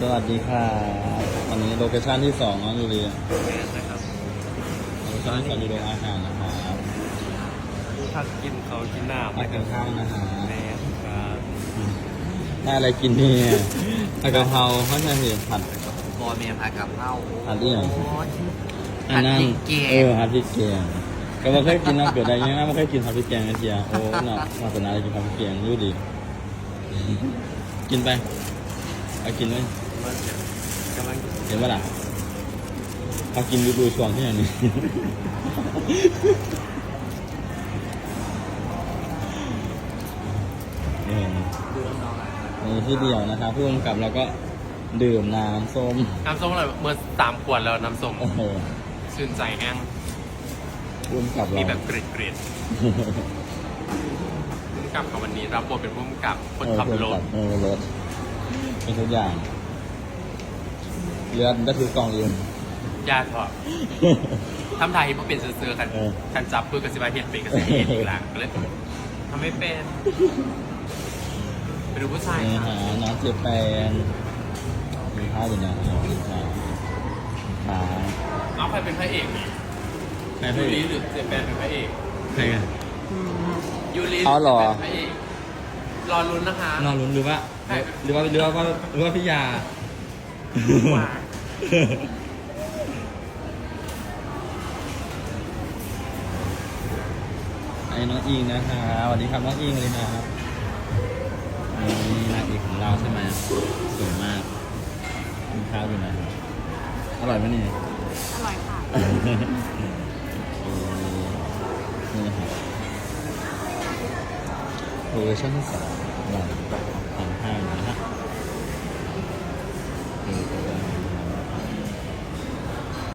สวัสดีค่ะวันนี้โลเคชั่นที่2น้องยูเรียแมนนะครับโลเคชั่นที่2อยู่โรงอาหารนะครับถ้ากินเขากินน้ำมากินข้าวนะฮะแมนครับได้อะไรกินเนี่ยผัดกะเพราเขาใช่ไหมผัดบอเมียผัดกะเพราผัดเอี่ยงผัดพริกแกงผัดพริกแกงก็ไม่เคยกินน้ำเกิดอะไรเงี้ยไม่เคยกินผัดพริกแกงไอ้เจียโอ้เนาะมาสนาอะไรกินผัดพริกแกงรู้ดี กินไปเอากินเลยกำลังเห็นปะล่ะเขากินดูช่วงที่ไหนนี่ดูน้องๆนี่ที่เดียวนะครับผู้กำกับเราก็ดื่มน้ำส้มน้ำส้มอะไรเมื่อ3 ขวดแล้วน้ำส้มโอ้โหชื่นใจแห้งผู้กำกับเรามีแบบเกรดผู้กำกับวันนี้รับบทเป็นผู้กำกับคนขับรถรถเป็นทุกอย่างเลือดก็คือกล่องเองญาติพอทำไทยเพราะเป็นเสือๆกันเออกันจับปืนกับสิบาเห็นเป็นกับสิบเอ็ดอีกหลังก็เลยทำไม่เป็นไปดูผู้ชายนี่ค่ะฮะน้องเจแปนมีข้าวอยู่นะขาเอาใครเป็นพระเอกนี่ใครยูพี่ริหรือเจแปนเป็นพระเอกใครกันยูริอ๋อเหรอเป็นพระเอกรอลุ้นนะคะน้องลุ้นหรือว่าพี่ยาว่าไอ้น้องอิงนะคะสวัสดีครับน้องอิงเลยนะครับนี่นางเอกของเราใช่ไหมสวยมากกินข้าวอยู่นะอร่อยไหมนี่อร่อยค่ะนี่นะครับโลเคชั่นที่ 2เรา